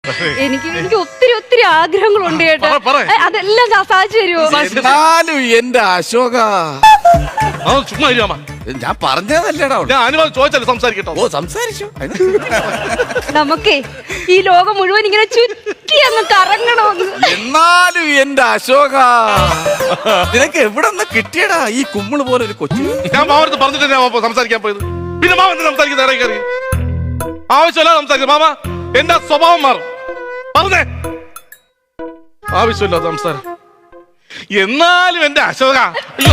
എനിക്ക് ഒത്തിരി ആഗ്രഹങ്ങളുണ്ട് കേട്ടോ. അതെല്ലാം സാധിച്ചു തരുമോ? എന്റെ അശോക ചുമ്മാ ഞാൻ പറഞ്ഞതല്ലേടാ. ഞാൻ അനുവാദം ചോദിച്ചല്ലേ സംസാരിക്കട്ടോ. ഓ സംസാരിച്ചു. നമുക്കേ ഈ ലോകം മുഴുവൻ ഇങ്ങനെ ചുറ്റി അങ്ങ് കറങ്ങണമെന്ന്. എന്നാലും എന്റെ അശോക നിനക്ക് എവിടെ നിന്ന് കിട്ടിയടാ ഈ കുമ്മിള് പോലെ ഒരു കൊച്ചു? ഞാൻ മാമടുത്ത് പറഞ്ഞിട്ട് സംസാരിക്കാൻ പോയത്. പിന്നെ മാമ എന്ത് സംസാരിക്കുന്ന ഇടയിൽ കയറി? ആവശ്യമല്ല സംസാരിക്കും മാമ. എന്റെ സ്വഭാവം മാറും. പറഞ്ഞേ ആവശ്യമില്ല സംസാരം. എന്നാലും എന്റെ അശോക അയ്യോ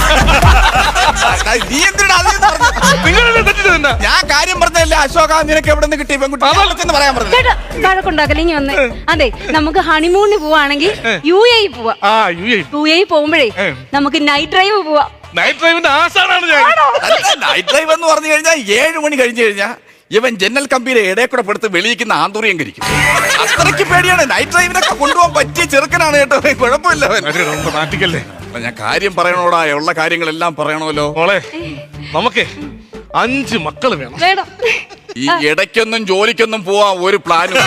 നീ എന്തിനാ നിങ്ങളെ തെറ്റിച്ചത്? ഞാൻ കാര്യം പറഞ്ഞല്ലേ അശോക നിനക്ക് എവിടെ നിന്ന് കിട്ടി പെൺകുട്ടി പറയാൻ പറഞ്ഞു. വഴക്കുണ്ടാക്കല ഇനി വന്ന്. അതെ നമുക്ക് ഹണിമൂണിന് പോവാണെങ്കിൽ UAE പോവാ. UAE പോകുമ്പോഴേ നമുക്ക് നൈറ്റ് ഡ്രൈവ് പോവാ. നൈറ്റ് ഡ്രൈവിന്റെ ആശാനാണ് ഞാൻ. നൈറ്റ് ഡ്രൈവ് എന്ന് പറഞ്ഞു കഴിഞ്ഞാൽ 7 മണി കഴിഞ്ഞു കഴിഞ്ഞാൽ ഇവൻ ജനൽ കമ്പിയിലെ ഇടയിൽ കൂടെ പെടുത്ത് വെളിയിക്കുന്ന ആന്തൂറിയം കരിക്കും. അത്രയ്ക്ക് പേടിയാണ്. നൈറ്റ് ഡ്രൈവിനൊക്കെ കൊണ്ടുപോകാൻ പറ്റിയ ചെറുക്കനാണ് കേട്ടോ. കുഴപ്പമില്ല. നാട്ടിക്കല്ലേ. ഞാൻ കാര്യം പറയണോടാ. ഉള്ള കാര്യങ്ങളെല്ലാം പറയണമല്ലോ. മോളെ നമുക്ക് 5 മക്കള് വേണം. ഈ ഇടയ്ക്കൊന്നും ജോലിക്കൊന്നും പോവാൻ ഒരു പ്ലാനും.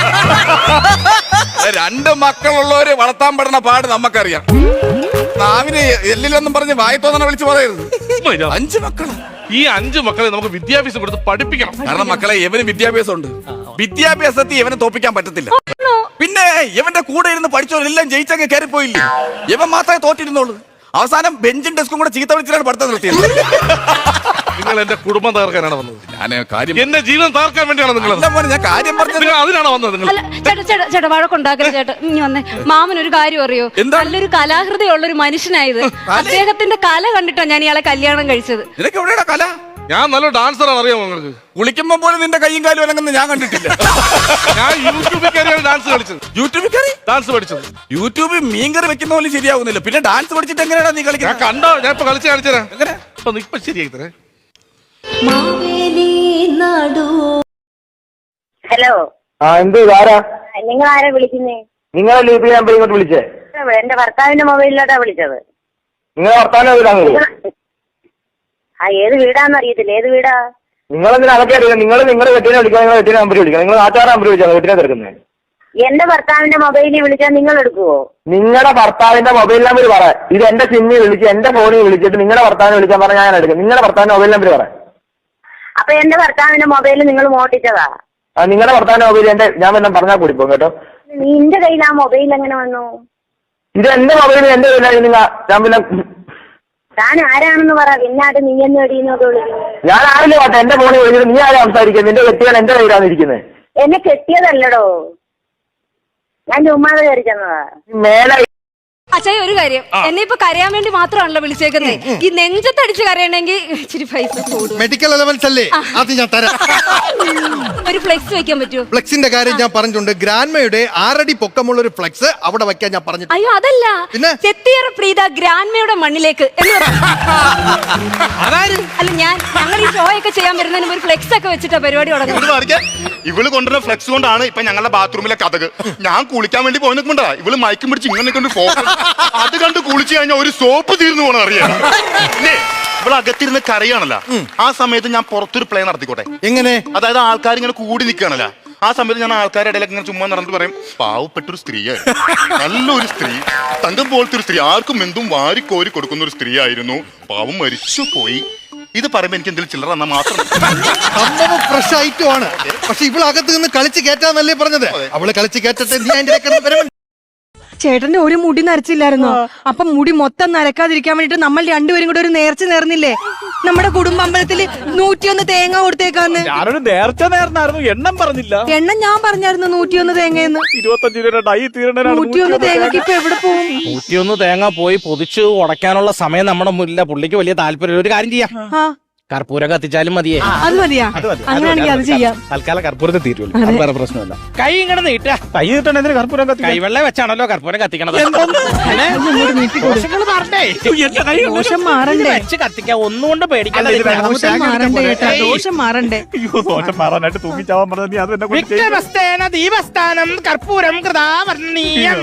2 മക്കളുള്ളവര് വളർത്താൻ പെടുന്ന പാട് നമുക്കറിയാം. നാവിന് എല്ലിലൊന്നും പറഞ്ഞ് വായത്തോന്നെ വിളിച്ച് പറയരുത്. 5 മക്കള്. ഈ 5 മക്കളെ നമുക്ക് വിദ്യാഭ്യാസം കൊടുത്ത് പഠിപ്പിക്കണം. കാരണം മക്കളെ ഇവന് വിദ്യാഭ്യാസം ഉണ്ട്. വിദ്യാഭ്യാസത്തിൽ ഇവനെ തോപ്പിക്കാൻ പറ്റത്തില്ല. പിന്നെ ഇവന്റെ കൂടെ ഇരുന്ന് പഠിച്ചവരെല്ലാം ജയിച്ചങ്ങ് കയറിപ്പോയില്ലേ. ഇവൻ മാത്രമേ തോറ്റിരുന്നുള്ളൂ. അവസാനം ബെഞ്ചും ഡെസ്കും കൂടെ ചീത്ത വിളിച്ചിട്ടാണ് പഠിത്തം നിർത്തിയത്. നിങ്ങൾ എന്റെ കുടുംബം തകർക്കാനാണ് വന്നത്. ഞാൻ കാര്യം എന്റെ ജീവിതം തകർക്കാൻ വേണ്ടിയാണ് നിങ്ങൾ. ഞാൻ കാര്യം പറഞ്ഞത് അതിനാണ് വന്നത് നിങ്ങൾ. ചേട്ടാ വഴക്കുണ്ടാക്കരുത് ചേട്ടാ. ഇനി വന്നേ. മാമനൊരു കാര്യം അറിയോ? നല്ലൊരു കലാഹൃദയമുള്ളൊരു മനുഷ്യനായത്. അദ്ദേഹത്തിന്റെ കല കണ്ടിട്ടാണ് ഞാൻ ഇയാളെ കല്യാണം കഴിച്ചത്. നിനക്ക് എവിടെയാ കല? ഞാൻ നല്ല ഡാൻസറാണ്. അറിയാമോ നിങ്ങൾക്ക്? കുളിക്കുമ്പോ പോലും നിന്റെ കൈയും കാലും അലങ്ങുന്നത് ഞാൻ കണ്ടിട്ടില്ല. ഞാൻ യൂട്യൂബിൽ കയറിയാണ് ഡാൻസ് കളിച്ചത്. യൂട്യൂബിൽ കയറി ഡാൻസ് പഠിച്ചത്. യൂട്യൂബിൽ മീൻകറി വെക്കുന്ന പോലും ശരിയാവുന്നില്ല. പിന്നെ ഡാൻസ് പഠിച്ചിട്ട് എങ്ങനെയാ നീ കളിക്കുന്നത്? ഞാൻ കണ്ടോ. ഞാൻ ഇപ്പൊ കളിച്ച് കാണിച്ചതരാം. എങ്ങനെ ഇപ്പൊ ശരിയായി തരേ. ഹലോ. എന്ത് ആരാ? നിങ്ങൾ ആരാ വിളിക്കുന്നേ? നിങ്ങളെ ലീപ് നമ്പർ ഇങ്ങോട്ട് വിളിച്ചേ? എന്റെ ഭർത്താവിന്റെ മൊബൈലിലോട്ടാ വിളിച്ചത്. നിങ്ങളെ ഭർത്താവിന്റെ വീടാണ്? ഏത് വീടാന്ന് അറിയത്തില്ല. ഏത് വീടാ? നിങ്ങളെന്തിനാ അതൊക്കെ അറിയാം? നിങ്ങളുടെ കെട്ടിനെ വിളിക്കാം. നിങ്ങളെ കെട്ടിനെ നമ്പർ വിളിക്കാം. നിങ്ങൾ ആചാര നമ്പർ വിളിച്ചാൽ കെട്ടിനെ തിരക്കുന്നത്. എന്റെ ഭർത്താവിന്റെ മൊബൈലിൽ വിളിച്ചാൽ നിങ്ങൾ എടുക്കുവോ? നിങ്ങളുടെ ഭർത്താവിന്റെ മൊബൈൽ നമ്പർ പറ. ഇത് എന്റെ സിമ്മിൽ വിളിച്ച് എന്റെ ഫോണിൽ വിളിച്ചിട്ട് നിങ്ങളുടെ ഭർത്താവിനെ വിളിക്കാൻ പറഞ്ഞാൽ ഞാൻ എടുക്കും. നിങ്ങളുടെ ഭർത്താവിന്റെ മൊബൈൽ നമ്പർ പറ. അപ്പൊ എന്റെ ഭർത്താവിന്റെ മൊബൈൽ നിങ്ങൾ മോട്ടിച്ചതാ? നിങ്ങളുടെ ഭർത്താവിന്റെ മൊബൈൽ ഞാൻ വല്ലതും പറഞ്ഞാൽ കൂടിപ്പോ കേട്ടോ. നിന്റെ കയ്യിൽ ആ മൊബൈൽ എങ്ങനെ വന്നു? ഇത് എന്റെ മൊബൈൽ എന്റെ കയ്യിലായിരുന്നു. ഞാൻ പിന്നെ താൻ ആരാണെന്ന് പറ. പിന്നാട്ട് നീ എന്ന് എടീന്നൊക്കെ വിളിക്കുന്നു. ഞാൻ ആരില്ല പാട്ടെ. എന്റെ ഫോണിൽ വിളിച്ചിട്ട് നീ ആരാ സംസാരിക്കുന്നത്? നിന്റെ കെട്ടിയാൽ എന്റെ കയ്യിലാണ് ഇരിക്കുന്നത്. എന്നെ കെട്ടിയതല്ലടോ. ഞാൻ ചുമ്മാതെ കയറി ചെന്നതാ. മേലെ അച്ഛാ ഒരു കാര്യം. എന്നെ ഇപ്പൊ കരയാൻ വേണ്ടി മാത്രമാണല്ലോ വിളിച്ചേക്കുന്നേ. ഈ നെഞ്ചത്തടിച്ച് കരയണമെങ്കിൽ ഇച്ചിരി പൈസ കൂടും. മെഡിക്കൽ അലവൻസ് അല്ലേ? അത് ഞാൻ തരാം. ഒരു ഫ്ലെക്സ് വെക്കാൻ പറ്റുമോ? ഫ്ലെക്സിന്റെ കാര്യം ഞാൻ പറഞ്ഞിട്ടുണ്ട്. ഗ്രാൻഡ്മയുടെ 6 അടി പൊക്കമുള്ള ഒരു ഫ്ലെക്സ് അവിടെ വെക്കാൻ ഞാൻ പറഞ്ഞിട്ടുണ്ട്. അയ്യോ അതല്ല. പിന്നെ ചെത്തിയറ പ്രീത ഗ്രാൻഡ്മയുടെ മണ്ണിലേക്ക് എന്ന് അല്ല ഞങ്ങൾ ഈ ഷോ ഒക്കെ ചെയ്യാൻ വരുന്നതിന് ഒരു ഫ്ലെക്സ് ഒക്കെ വെച്ചിട്ടാ പരിപാടി തുടങ്ങുന്നത്. ഇവള് കൊണ്ടുവരുന്ന ഫ്ലെക്സ് കൊണ്ടാണ് ഇപ്പൊ ഞങ്ങളുടെ ബാത്റൂമിലെ കഥക്. ഞാൻ കുളിക്കാൻ വേണ്ടി പോയി നിൽക്കുമ്പോണ്ടാ ഇവള് മയക്കും പിടിച്ച് ഇങ്ങനെ കൊണ്ട് അത് കണ്ട് കുളിച്ചു കഴിഞ്ഞാൽ ഒരു സോപ്പ് തീർന്നു പോകണം. അറിയാം ഇവിടെ അകത്തിരുന്ന് കരയാണല്ലോ. ആ സമയത്ത് ഞാൻ പുറത്തൊരു പ്ലേ നടത്തിക്കോട്ടെ. എങ്ങനെ? അതായത് ആൾക്കാർ ഇങ്ങനെ കൂടി നിൽക്കുകയാണല്ലോ. ആ സമയത്ത് ഞാൻ ആൾക്കാരുടെ ഇടയിലൊക്കെ ഇങ്ങനെ ചുമ്മാ നടന്നിട്ട് പറയും, പാവപ്പെട്ടൊരു സ്ത്രീയായി, നല്ലൊരു സ്ത്രീ, തങ്കം പോലത്തെ ഒരു സ്ത്രീ, ആർക്കും എന്തും വാരിക്കോരി കൊടുക്കുന്ന ഒരു സ്ത്രീ ആയിരുന്നു, പാവം മരിച്ചു പോയി. ഇത് പറയുമ്പോ എനിക്ക് എന്തെങ്കിലും ചില്ലറ എന്നാ മാത്രം. സംഭവം ഫ്രഷ് ഐറ്റം ആണ്. പക്ഷെ ഇവളകത്ത് നിന്ന് കളിച്ച് കയറ്റാന്നല്ലേ പറഞ്ഞത്? അവള് കളിച്ച് കയറ്റട്ടെ. നീ അതിന്റെ ചേട്ടന്റെ ഒരു മുടി നരച്ചില്ലായിരുന്നോ? അപ്പൊ മുടി മൊത്തം നരക്കാതിരിക്കാൻ വേണ്ടിട്ട് നമ്മൾ രണ്ടുപേരും കൂടെ ഒരു നേർച്ച നേർന്നില്ലേ? നമ്മുടെ കുടുംബ അമ്പലത്തില് 101 തേങ്ങ കൊടുത്തേക്കാന്ന്. ഞാനൊരു നേർച്ച നേർന്നായിരുന്നു. എണ്ണം പറഞ്ഞില്ല. എണ്ണം ഞാൻ പറഞ്ഞായിരുന്നു 101 തേങ്ങയെന്ന്. 25 രൂപ 101 തേങ്ങക്ക് ഇപ്പൊ എവിടെ പോകും? 101 തേങ്ങ പോയി പൊതിച്ച് ഉടയ്ക്കാനുള്ള സമയം നമ്മുടെ മുന്നില്ല. പുള്ളിക്ക് വലിയ താല്പര്യം. ഒരു കാര്യം ചെയ്യാം, കർപ്പൂരം കത്തിച്ചാലും മതിയേ. അത് മതിയാ? അങ്ങനെയാണെങ്കിൽ അത് ചെയ്യാം. തൽക്കാലം കർപ്പൂരത്തെ തീരുമല്ലോ, വേറെ പ്രശ്നമല്ല. കൈ ഇങ്ങനെ നീട്ടാ. കൈ നീട്ടണതിന് കർപ്പൂരം കത്തി കൈവെള്ള വെച്ചാണല്ലോ കർപ്പൂരം കത്തിക്കണത്. ദോഷം മാറണ്ടേ? വെച്ച് കത്തിക്കാൻ ഒന്നുകൊണ്ട് പേടിക്കണ്ട. ദോഷം മാറണ്ടേ കേട്ടാ, ദോഷം മാറണ്ടേ. ദോഷം മാറാനായിട്ട് തൂങ്ങിച്ചാവാൻ പറഞ്ഞ അത് ദീപസ്ഥാനം കർപ്പൂരം കൃതാവർണ്ണീയം.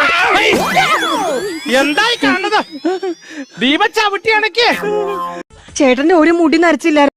എന്തായി കാണുന്നത്? ദീപ ചവിട്ടി അണക്ക്. ചേട്ടന്റെ ഒരു മുടി നരച്ചില്ലായിരുന്നു.